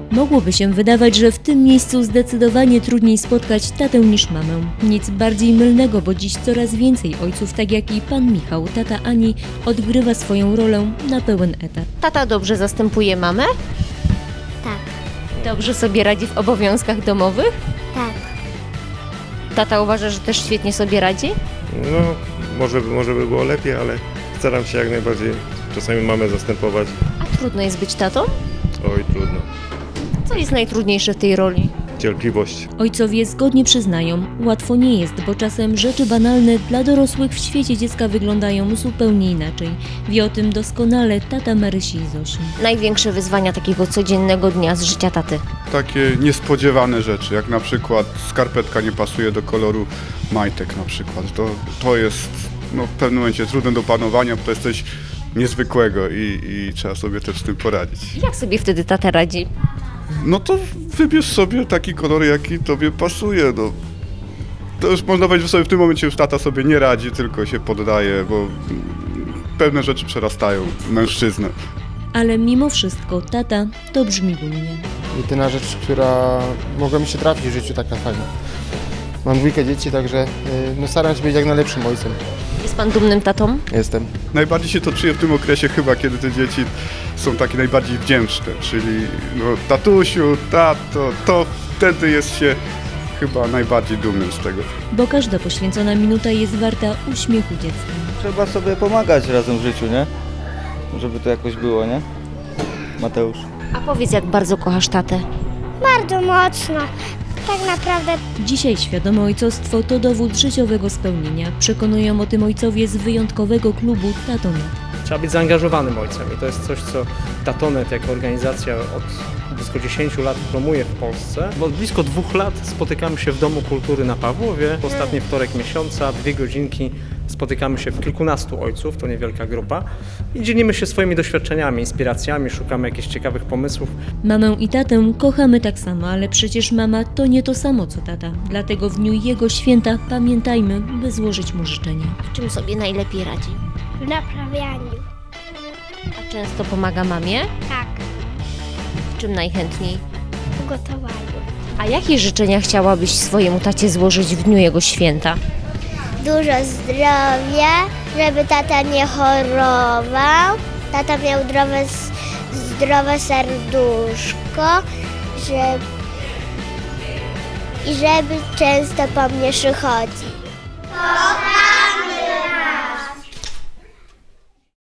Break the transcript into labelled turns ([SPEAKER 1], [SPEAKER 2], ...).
[SPEAKER 1] Mogłoby się wydawać, że w tym miejscu zdecydowanie trudniej spotkać tatę niż mamę. Nic bardziej mylnego, bo dziś coraz więcej ojców, tak jak i pan Michał, tata Ani, odgrywa swoją rolę na pełen etat. Tata dobrze zastępuje mamę?
[SPEAKER 2] Tak,
[SPEAKER 1] Dobrze sobie radzi w obowiązkach domowych?
[SPEAKER 2] tak.
[SPEAKER 1] Tata uważa, że też świetnie sobie radzi?
[SPEAKER 3] No, może by było lepiej, ale staram się jak najbardziej czasami mamę zastępować.
[SPEAKER 1] A trudno jest być tatą?
[SPEAKER 3] Oj, trudno.
[SPEAKER 1] Co jest najtrudniejsze w tej roli?
[SPEAKER 3] Cierpliwość.
[SPEAKER 1] Ojcowie zgodnie przyznają, łatwo nie jest, bo czasem rzeczy banalne dla dorosłych w świecie dziecka wyglądają zupełnie inaczej. Wie o tym doskonale tata Marysi i Zosi. Największe wyzwania takiego codziennego dnia z życia taty.
[SPEAKER 4] Takie niespodziewane rzeczy, jak na przykład skarpetka nie pasuje do koloru majtek na przykład. To jest w pewnym momencie trudne do panowania, bo to jest coś niezwykłego i trzeba sobie też z tym poradzić.
[SPEAKER 1] Jak sobie wtedy tata radzi?
[SPEAKER 4] No to wybierz sobie taki kolor, jaki tobie pasuje. No. To już można powiedzieć, że sobie w tym momencie już tata sobie nie radzi, tylko się poddaje, bo pewne rzeczy przerastają mężczyznę.
[SPEAKER 1] Ale mimo wszystko tata to brzmi dumnie.
[SPEAKER 5] Jedyna rzecz, która mogła mi się trafić w życiu tak na fajnie. Mam 2 dzieci, także staram się być jak najlepszym ojcem.
[SPEAKER 1] Jest pan dumnym tatą?
[SPEAKER 5] Jestem.
[SPEAKER 4] Najbardziej się to czuje w tym okresie chyba, kiedy te dzieci są takie najbardziej wdzięczne, czyli tatusiu, tato, to wtedy jest się chyba najbardziej dumnym z tego.
[SPEAKER 1] Bo każda poświęcona minuta jest warta uśmiechu dziecka.
[SPEAKER 6] Trzeba sobie pomagać razem w życiu, nie? Żeby to jakoś było, nie? Mateusz.
[SPEAKER 1] A powiedz, jak bardzo kochasz tatę?
[SPEAKER 2] Bardzo mocno. Tak naprawdę
[SPEAKER 1] Dzisiaj świadome ojcostwo to dowód życiowego spełnienia. Przekonują o tym ojcowie z wyjątkowego klubu Tatonet.
[SPEAKER 7] Trzeba być zaangażowanym ojcem i to jest coś, co Tatonet jako organizacja od blisko 10 lat promuje w Polsce. Bo od blisko 2 lat spotykamy się w Domu Kultury na Pawłowie. Ostatni wtorek miesiąca, 2 godzinki, spotykamy się w kilkunastu ojców, to niewielka grupa i dzielimy się swoimi doświadczeniami, inspiracjami, szukamy jakichś ciekawych pomysłów.
[SPEAKER 1] Mamę i tatę kochamy tak samo, ale przecież mama to nie to samo co tata. Dlatego w dniu jego święta pamiętajmy, by złożyć mu życzenia. W czym sobie najlepiej radzi?
[SPEAKER 2] w naprawianiu.
[SPEAKER 1] A często pomaga mamie?
[SPEAKER 2] Tak,
[SPEAKER 1] W czym najchętniej?
[SPEAKER 2] w gotowaniu.
[SPEAKER 1] A jakie życzenia chciałabyś swojemu tacie złożyć w dniu jego święta?
[SPEAKER 2] Dużo zdrowia, żeby tata nie chorował. Tata miał zdrowe serduszko, i żeby często po mnie przychodził.